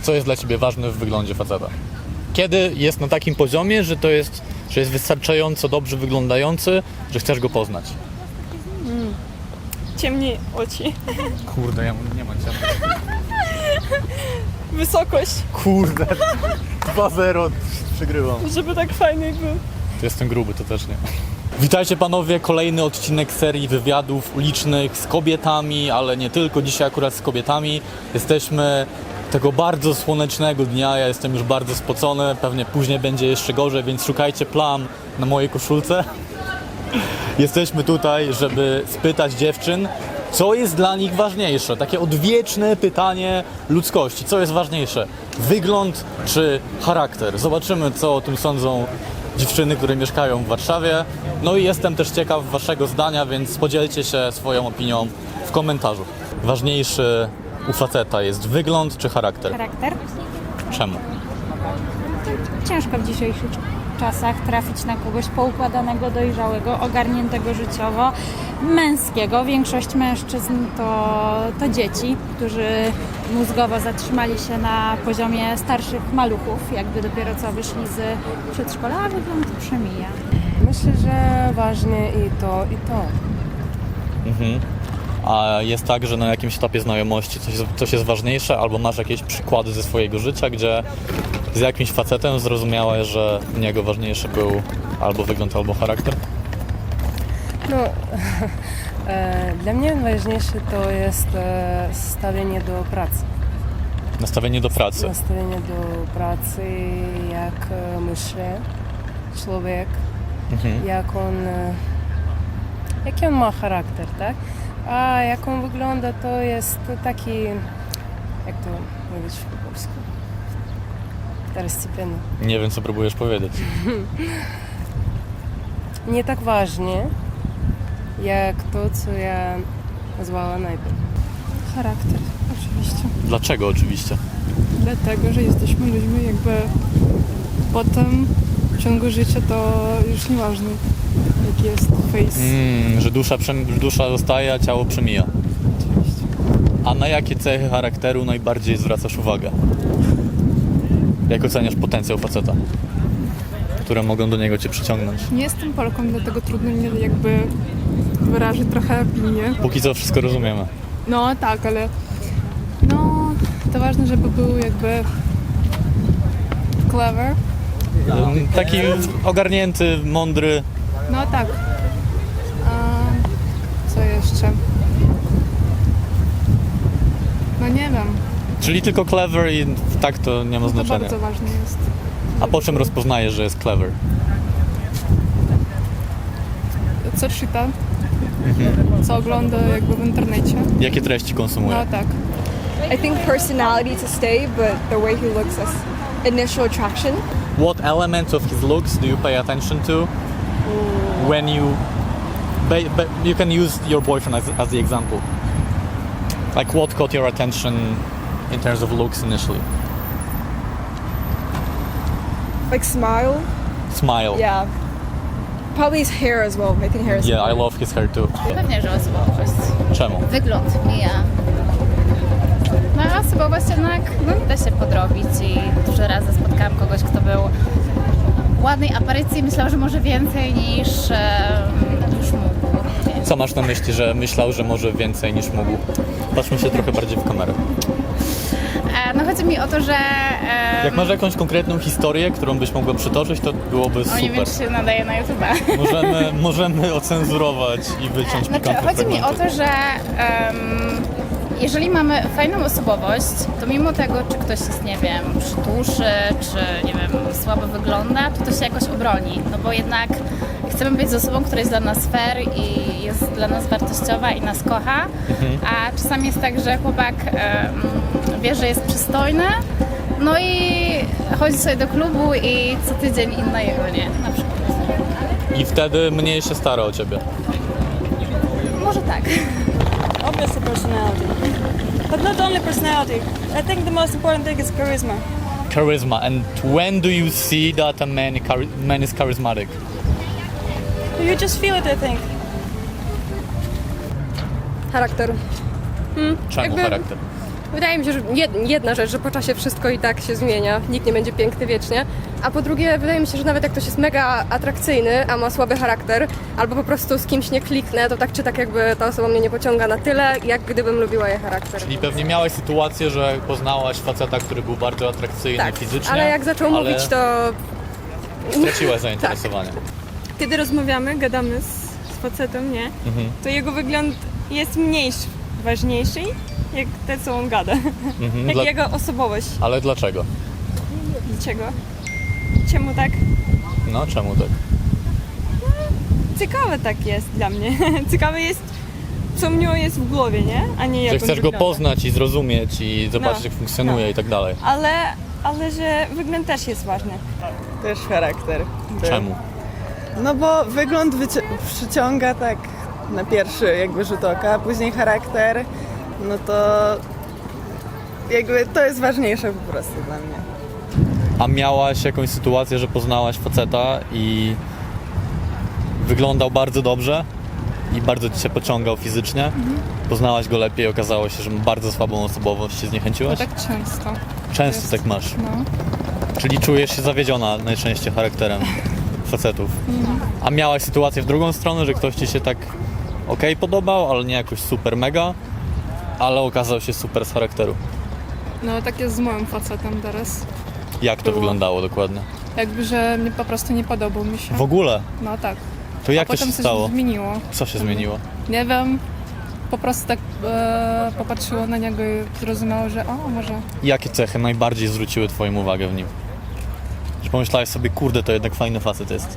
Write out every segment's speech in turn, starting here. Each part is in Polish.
Co jest dla ciebie ważne w wyglądzie faceta? Kiedy jest na takim poziomie, że jest wystarczająco dobrze wyglądający, że chcesz go poznać? Ciemniej oczy. Kurde, ja nie mam ciemnych. Wysokość, Kurde, 2-0, przegrywam. żeby tak fajny był. Jestem gruby, to też nie. Witajcie panowie, kolejny odcinek serii wywiadów ulicznych z kobietami, ale nie tylko, dzisiaj akurat z kobietami. Jesteśmy tego bardzo słonecznego dnia, ja jestem już bardzo spocony, pewnie później będzie jeszcze gorzej, więc szukajcie plam na mojej koszulce. Jesteśmy tutaj, żeby spytać dziewczyn, co jest dla nich ważniejsze. Takie odwieczne pytanie ludzkości. Co jest ważniejsze? Wygląd czy charakter? Zobaczymy, co o tym sądzą dziewczyny, które mieszkają w Warszawie. No i jestem też ciekaw waszego zdania, więc podzielcie się swoją opinią w komentarzu. Ważniejszy u faceta jest wygląd czy charakter? Charakter? Czemu? Ciężko w dzisiejszych czasach trafić na kogoś poukładanego, dojrzałego, ogarniętego życiowo, męskiego. Większość mężczyzn to dzieci, którzy mózgowo zatrzymali się na poziomie starszych maluchów, jakby dopiero co wyszli z przedszkola, a wygląd przemija. Myślę, że ważne i to, i to. A jest tak, że na jakimś etapie znajomości coś jest ważniejsze, albo masz jakieś przykłady ze swojego życia, gdzie z jakimś facetem zrozumiałeś, że u niego ważniejszy był albo wygląd, albo charakter? No, dla mnie najważniejsze to jest stawienie do pracy. Nastawienie do pracy. Nastawienie do pracy, jak myśli człowiek, jaki on ma charakter, tak? A jak on wygląda, to jest taki, jak to mówić po polsku? Wtorostепенny. Nie wiem, co próbujesz powiedzieć. Nie tak ważnie, jak to, co ja nazwała najpierw. Charakter, oczywiście. Dlaczego oczywiście? Dlatego, że jesteśmy ludźmi jakby potem w ciągu życia to już nieważne jaki jest face. Że dusza zostaje, a ciało przemija. Oczywiście. A na jakie cechy charakteru najbardziej zwracasz uwagę? Jak oceniasz potencjał faceta, które mogą do niego cię przyciągnąć? Nie jestem Polką, dlatego trudno mi jakby wyrazić trochę opinię. Póki co wszystko rozumiemy. No tak, ale no to ważne, żeby był jakby clever. Taki ogarnięty, mądry. No tak. A co jeszcze? No nie wiem. Czyli tylko clever i tak to nie ma To znaczenia. bardzo ważne jest. A po czym rozpoznajesz, że jest clever? Co czyta? Co ogląda jakby w internecie? Jakie treści konsumuje? No tak. I think personality to stay, but the way he looks as initial attraction. What elements of his looks do you pay attention to when you can use your boyfriend as the example? Like what caught your attention in terms of looks initially? Like smile. Smile. Yeah. Probably his hair as well. I think hair is Yeah, I love his hair too. Pewnie, że osobowość. Czemu? Wygląd mija. No a osobowość jednak da się podrobić i dużo razy spotkałam kogoś, kto był ładnej aparycji i myślał, że może więcej niż mógł. Co masz na myśli, że myślał, że może więcej niż mógł? Patrzmy się trochę bardziej w kamerę. No chodzi mi o to, że Jak masz jakąś konkretną historię, którą byś mogła przytoczyć, to byłoby nie wiem, super. czy się nadaje na YouTube'a. Możemy ocenzurować i wyciąć pikantne Chodzi mi o fragmenty. to, że jeżeli mamy fajną osobowość, to mimo tego, czy ktoś jest, nie wiem, przytuszy, czy, nie wiem, słabo wygląda, to się jakoś obroni. No bo jednak chcemy być z osobą, która jest dla nas fair i jest dla nas wartościowa i nas kocha, a czasami jest tak, że chłopak wie, że jest przystojny, no i chodzi sobie do klubu i co tydzień inna jego, nie? Na przykład. I wtedy mniej się stara o ciebie. Może tak. Obviously personality, but not only personality. I think the most important thing is charisma. Charisma. And when do you see that a man is charismatic? You just feel it, I think. Charakter. Czemu charakter? Wydaje mi się, że jedna rzecz, że po czasie wszystko i tak się zmienia, nikt nie będzie piękny wiecznie, a po drugie wydaje mi się, że nawet jak ktoś jest mega atrakcyjny, a ma słaby charakter, albo po prostu z kimś nie kliknę, to tak czy tak jakby ta osoba mnie nie pociąga na tyle, jak gdybym lubiła jej charakter. Czyli pewnie miałaś sytuację, że poznałaś faceta, który był bardzo atrakcyjny Tak, fizycznie. ale jak zaczął ale mówić, to straciłaś zainteresowanie. Kiedy rozmawiamy, gadamy z facetem, nie? To jego wygląd jest mniejszy, ważniejszy, jak to, co on gada. Jak jego osobowość. Ale dlaczego? Dlaczego? Czemu tak? No, czemu tak? Ciekawe tak jest dla mnie. Ciekawe jest, co w nim jest w głowie, nie? A nie jak Że on chcesz go wygląda. poznać i zrozumieć i zobaczyć, No, jak funkcjonuje i tak dalej. Ale że wygląd też jest ważny. Też charakter. Czemu? No bo wygląd przyciąga tak na pierwszy jakby rzut oka, a później charakter, no to jakby to jest ważniejsze po prostu dla mnie. A miałaś jakąś sytuację, że poznałaś faceta i wyglądał bardzo dobrze i bardzo ci się pociągał fizycznie? Poznałaś go lepiej, okazało się, że ma bardzo słabą osobowość, się No zniechęciłaś? tak często. Często tak masz. No. Czyli czujesz się zawiedziona najczęściej charakterem facetów. A miałaś sytuację w drugą stronę, że ktoś ci się tak okej podobał, ale nie jakoś super mega, ale okazał się super z charakteru. No tak jest z moim facetem teraz. Jak to Było. wyglądało dokładnie? Jakby, że mnie po prostu nie podobał mi się. W ogóle? No tak. To jak A to się potem coś stało? zmieniło. Co się zmieniło? Nie wiem. Po prostu tak popatrzyło na niego i zrozumiało, że o, może... Jakie cechy najbardziej zwróciły twoją uwagę w nim? Że pomyślałeś sobie, kurde, to jednak fajny facet jest.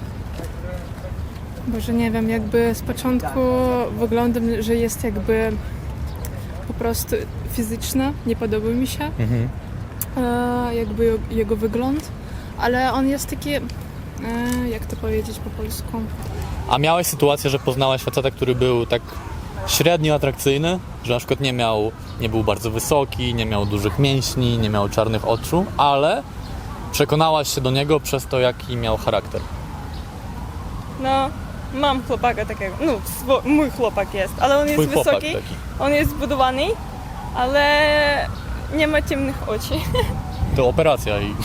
Boże, nie wiem, jakby z początku wyglądam, że jest jakby po prostu fizyczny, nie podoba mi się jakby jego wygląd, ale on jest taki, jak to powiedzieć po polsku, A miałeś sytuację, że poznałaś faceta, który był tak średnio atrakcyjny, że na przykład nie był bardzo wysoki, nie miał dużych mięśni, nie miał czarnych oczu, ale przekonałaś się do niego przez to, jaki miał charakter. No, mam chłopaka takiego. No, mój chłopak jest, ale on jest Twój chłopak wysoki, taki. on jest zbudowany, ale nie ma ciemnych oczu. To operacja i...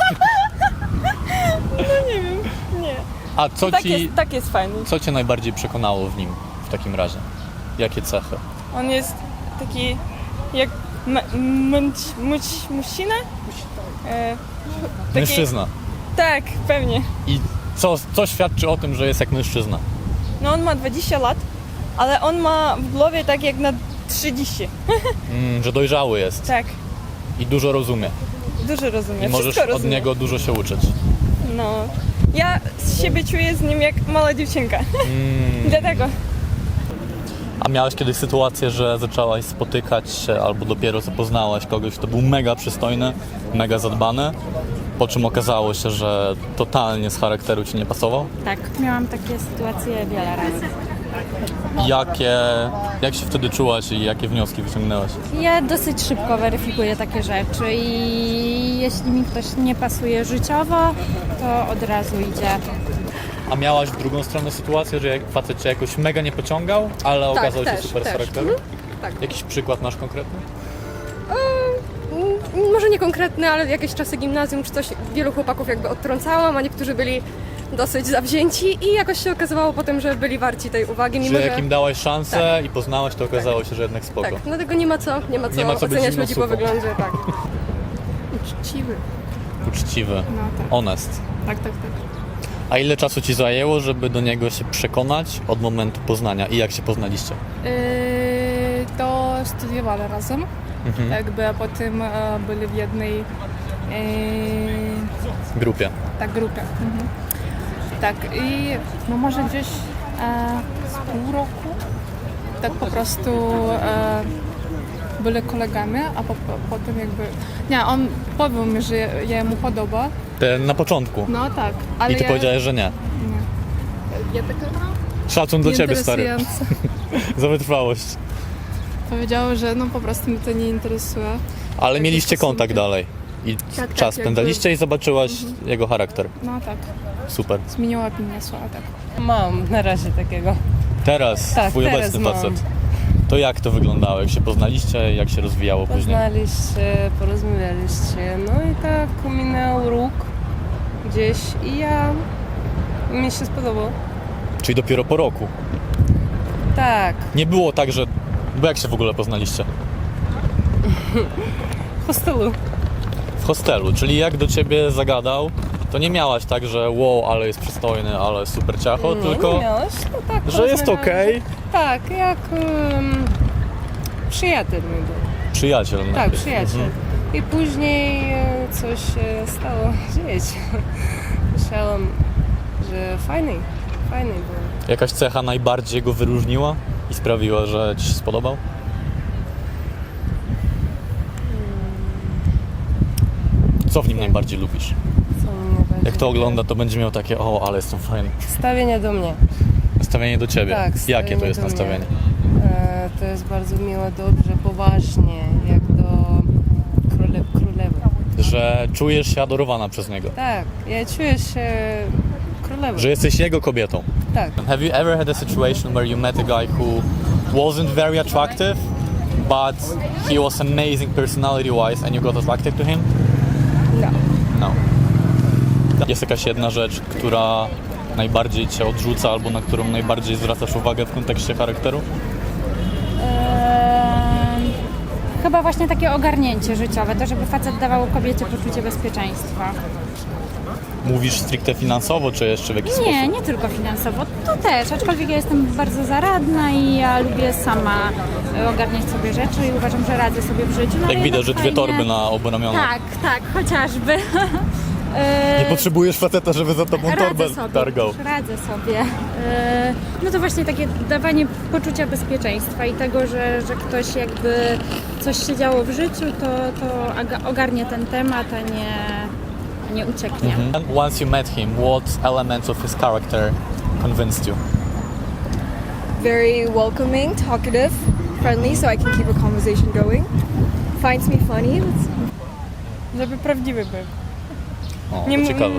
Nie. A co Tak jest fajny. co cię najbardziej przekonało w nim w takim razie? Jakie cechy? On jest taki jak mężczyzna? Taki- Mężczyzna. Tak, pewnie. I co świadczy o tym, że jest jak mężczyzna? No on ma 20 lat, ale on ma w głowie tak jak na 30. Że dojrzały jest Tak, i dużo rozumie. dużo rozumie. I możesz Wszystko od rozumie. niego dużo się uczyć. No. Ja z siebie czuję z nim jak mała dziewczynka. Dlatego. A miałeś kiedyś sytuację, że zaczęłaś spotykać się albo dopiero co poznałaś kogoś, kto był mega przystojny, mega zadbany, po czym okazało się, że totalnie z charakteru ci nie pasował? Tak, miałam takie sytuacje wiele razy. Jak się wtedy czułaś i jakie wnioski wyciągnęłaś? Ja dosyć szybko weryfikuję takie rzeczy i jeśli mi ktoś nie pasuje życiowo, to od razu idzie. A miałaś w drugą stronę sytuację, że facet cię jakoś mega nie pociągał, ale okazał się super z charakteru? Tak. Jakiś przykład masz konkretny? Może nie konkretny, ale jakieś czasy gimnazjum czy coś, wielu chłopaków jakby odtrącałam, a niektórzy byli dosyć zawzięci i jakoś się okazywało potem, że byli warci tej uwagi, mimo Że że... jak im dałaś szansę i poznałaś, to okazało się, że jednak spoko. Tak, dlatego nie ma co Nie ma co być oceniać zimną ludzi po supą. wyglądzie, tak. Uczciwy. Uczciwy, No tak. honest. Tak. A ile czasu ci zajęło, żeby do niego się przekonać od momentu poznania i jak się poznaliście? To studiowali razem, jakby a potem byli w jednej Grupie. grupie. Tak i no może gdzieś z pół roku tak po prostu byli kolegami, a potem jakby... Nie, on powiedział mi, że ja mu podoba. Na początku. No tak, ale I ty ja... powiedziałeś, że nie. Nie. Ja taka Szacun dla ciebie, stary. nieinteresująca. Za wytrwałość. Powiedziała, że no po prostu mnie to nie interesuje. Ale mieliście stosunki. kontakt dalej. I Tak, czas jakby- spędzaliście i zobaczyłaś jego charakter. No tak, Super. zmieniła opinię słowa, tak. Mam na razie takiego. Teraz Tak, twój teraz obecny mam. facet. To jak to wyglądało? Jak się poznaliście? Jak się rozwijało później? Poznaliście, porozmawialiście, no i tak minął róg gdzieś i mi się spodobało. Czyli dopiero po roku. Tak, Nie było tak, że... Bo jak się w ogóle poznaliście? w hostelu. W hostelu, czyli jak do ciebie zagadał, to nie miałaś tak, że wow, ale jest przystojny, ale super ciacho, tylko Nie miałeś, no tak, że jest okej. Tak, jak przyjaciel mój był. Przyjaciel. Tak, najpierw. przyjaciel. I później coś się stało dzieć. Myślałam, że fajny był. Jakaś cecha najbardziej go wyróżniła i sprawiła, że ci się spodobał? Co w nim najbardziej lubisz? Co mnie najbardziej Jak to ogląda, to będzie miał takie, o, ale jestem fajny. Stawienie do mnie. Nastawienie do ciebie. Tak, Jakie to stawienie jest do mnie. nastawienie? To jest bardzo miło, dobrze, poważnie, jak do królewy. Że czujesz się adorowana przez niego. Tak, ja czuję się królewą. Że jesteś jego kobietą. Tak. Have you ever had a situation where you met a guy who wasn't very attractive, but he was amazing personality-wise and you got attracted to him? No. No. Jest jakaś jedna rzecz, która najbardziej cię odrzuca albo na którą najbardziej zwracasz uwagę w kontekście charakteru? Chyba właśnie takie ogarnięcie życiowe, to żeby facet dawał kobiecie poczucie bezpieczeństwa. Mówisz stricte finansowo, czy jeszcze w jakiś sposób? Nie tylko finansowo, to też, aczkolwiek ja jestem bardzo zaradna i ja lubię sama ogarniać sobie rzeczy i uważam, że radzę sobie w życiu. No, Jak ale widać, że jednak dwie fajnie- torby na obu ramionach. Tak, chociażby. Nie potrzebujesz faceta, żeby za tobą torbę Radzę sobie, targał. radzę sobie. No to właśnie takie dawanie poczucia bezpieczeństwa i tego, że ktoś jakby coś się działo w życiu, to ogarnie ten temat, a nie ucieknie. And once you met him, what elements of his character convinced you? Very welcoming, talkative, friendly, so I can keep a conversation going. Finds me funny. Żeby prawdziwy był. O, to ciekawe.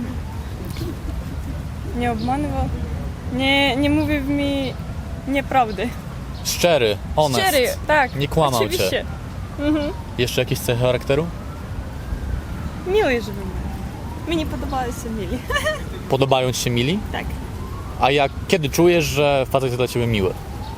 Nie obmanywał. Nie mówił mi nieprawdy. Szczery, honest. Szczery, tak. Nie kłamał oczywiście. cię. Jeszcze jakieś cechy charakteru? Miły, żeby był. Mi nie podobali się mili. Podobają ci się mili? Tak. A kiedy czujesz, że facet jest dla ciebie miły?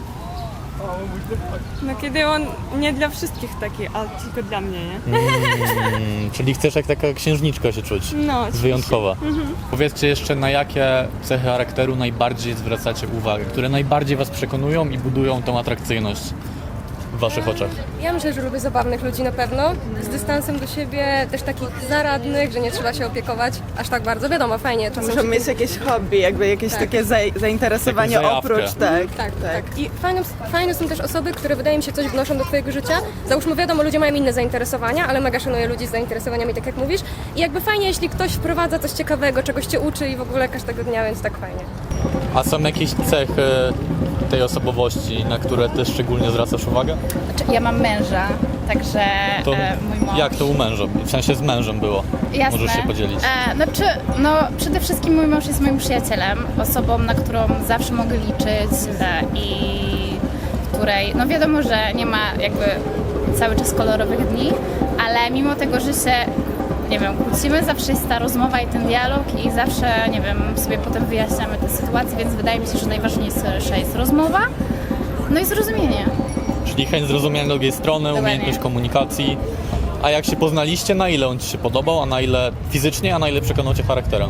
No kiedy on nie dla wszystkich taki, a tylko dla mnie, nie? Czyli chcesz jak taka księżniczka się czuć? No, oczywiście. Wyjątkowa. Powiedzcie jeszcze, na jakie cechy charakteru najbardziej zwracacie uwagę, które najbardziej was przekonują i budują tą atrakcyjność w waszych oczach? Ja myślę, że lubię zabawnych ludzi na pewno, z dystansem do siebie, też takich zaradnych, że nie trzeba się opiekować aż tak bardzo. Wiadomo, fajnie. Czasem Muszą się- mieć jakieś hobby, jakby jakieś takie zainteresowanie Jakąś zajawkę. oprócz, tak. Tak. I fajne są też osoby, które wydaje mi się coś wnoszą do twojego życia. Załóżmy, wiadomo, ludzie mają inne zainteresowania, ale mega szanuję ludzi z zainteresowaniami, tak jak mówisz. I jakby fajnie, jeśli ktoś wprowadza coś ciekawego, czegoś cię uczy i w ogóle każdego dnia, więc tak fajnie. A są jakieś cechy tej osobowości, na które ty szczególnie zwracasz uwagę? Znaczy, ja mam męża, także To mój mąż... jak to u męża? W sensie z mężem było. Jasne. Możesz się podzielić. Przede wszystkim mój mąż jest moim przyjacielem, osobą, na którą zawsze mogę liczyć i której, no wiadomo, że nie ma jakby cały czas kolorowych dni, ale mimo tego, że się, nie wiem, kłócimy, zawsze jest ta rozmowa i ten dialog i zawsze, nie wiem, sobie potem wyjaśniamy tę sytuację, więc wydaje mi się, że najważniejsza jest rozmowa, no i zrozumienie. Czyli chęć zrozumienia drugiej strony, Dokładnie. umiejętność komunikacji. A jak się poznaliście, na ile on ci się podobał, a na ile fizycznie, a na ile przekonał cię charakterem?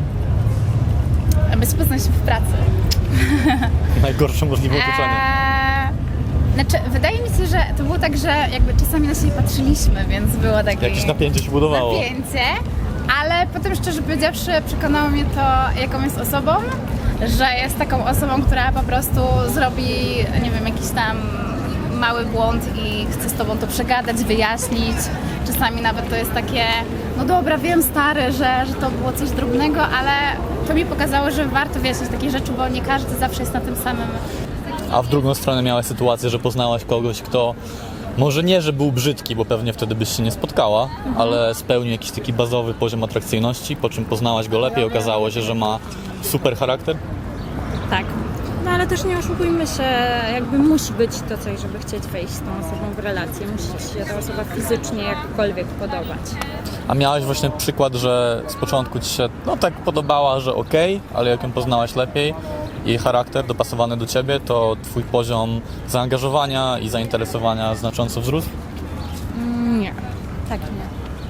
Aby poznać się w pracy. Najgorsze możliwe uczucie. Znaczy, wydaje mi się, że to było tak, że jakby czasami na siebie patrzyliśmy, więc było takie Jakieś napięcie się budowało. napięcie, ale potem szczerze powiedziawszy przekonało mnie to, jaką jest osobą, że jest taką osobą, która po prostu zrobi, nie wiem, jakiś tam mały błąd i chce z tobą to przegadać, wyjaśnić. Czasami nawet to jest takie, no dobra, wiem stary, że to było coś drobnego, ale to mi pokazało, że warto wyjaśnić takie rzeczy, bo nie każdy zawsze jest na tym samym. A w drugą stronę miałaś sytuację, że poznałaś kogoś, kto może nie, że był brzydki, bo pewnie wtedy byś się nie spotkała, ale spełnił jakiś taki bazowy poziom atrakcyjności, po czym poznałaś go lepiej, okazało się, że ma super charakter? Tak. No ale też nie oszukujmy się, jakby musi być to coś, żeby chcieć wejść z tą osobą w relację. Musi się ta osoba fizycznie jakkolwiek podobać. A miałaś właśnie przykład, że z początku ci się tak podobała, że okej, ale jak ją poznałaś lepiej, jej charakter dopasowany do ciebie, to twój poziom zaangażowania i zainteresowania znacząco wzrósł? Nie, tak nie.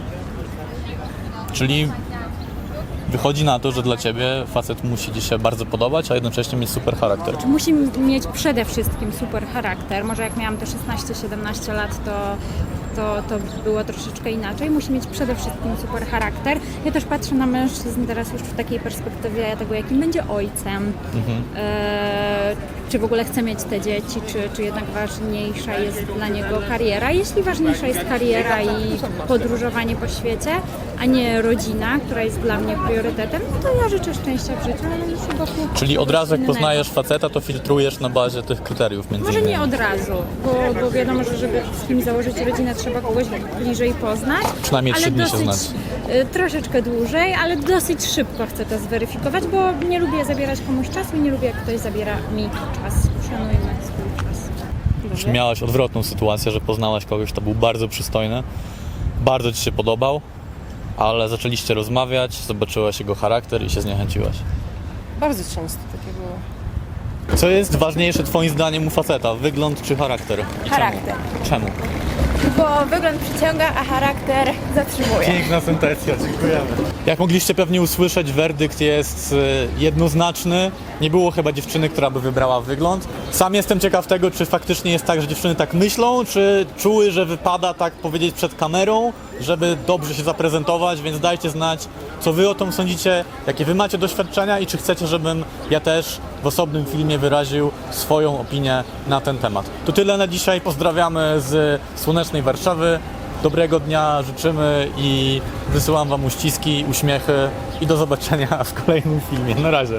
Czyli wychodzi na to, że dla ciebie facet musi ci się bardzo podobać, a jednocześnie mieć super charakter. Musi mieć przede wszystkim super charakter. Może jak miałam te 16-17 lat, to było troszeczkę inaczej. Musi mieć przede wszystkim super charakter. Ja też patrzę na mężczyzn teraz już w takiej perspektywie tego, jakim będzie ojcem. Czy w ogóle chce mieć te dzieci, czy jednak ważniejsza jest dla niego kariera. Jeśli ważniejsza jest kariera i podróżowanie po świecie, a nie rodzina, która jest dla mnie priorytetem, no to ja życzę szczęścia w życiu, ale już wokół Czyli od razu jak innego. poznajesz faceta, to filtrujesz na bazie tych kryteriów między Może innymi. nie od razu, bo wiadomo, że żeby z kimś założyć rodzinę, trzeba kogoś bliżej poznać. Przynajmniej 3 ale dni się dosyć, znać. troszeczkę dłużej, ale dosyć szybko chcę to zweryfikować, bo nie lubię zabierać komuś czasu i nie lubię, jak ktoś zabiera mi czas. Szanujmy swój czas. Czy miałaś odwrotną sytuację, że poznałaś kogoś, kto był bardzo przystojny, bardzo ci się podobał, ale zaczęliście rozmawiać, zobaczyłaś jego charakter i się zniechęciłaś? Bardzo często takie było. Co jest ważniejsze twoim zdaniem u faceta? Wygląd czy charakter? I Charakter. Czemu? Bo wygląd przyciąga, a charakter zatrzymuje. Piękna sentencja, dziękujemy. Jak mogliście pewnie usłyszeć, werdykt jest jednoznaczny. Nie było chyba dziewczyny, która by wybrała wygląd. Sam jestem ciekaw tego, czy faktycznie jest tak, że dziewczyny tak myślą, czy czuły, że wypada tak powiedzieć przed kamerą, żeby dobrze się zaprezentować, więc dajcie znać, co wy o tym sądzicie, jakie wy macie doświadczenia i czy chcecie, żebym ja też w osobnym filmie wyraził swoją opinię na ten temat. To tyle na dzisiaj. Pozdrawiamy z słonecznej Warszawy. Dobrego dnia życzymy i wysyłam wam uściski, uśmiechy i do zobaczenia w kolejnym filmie. Na razie.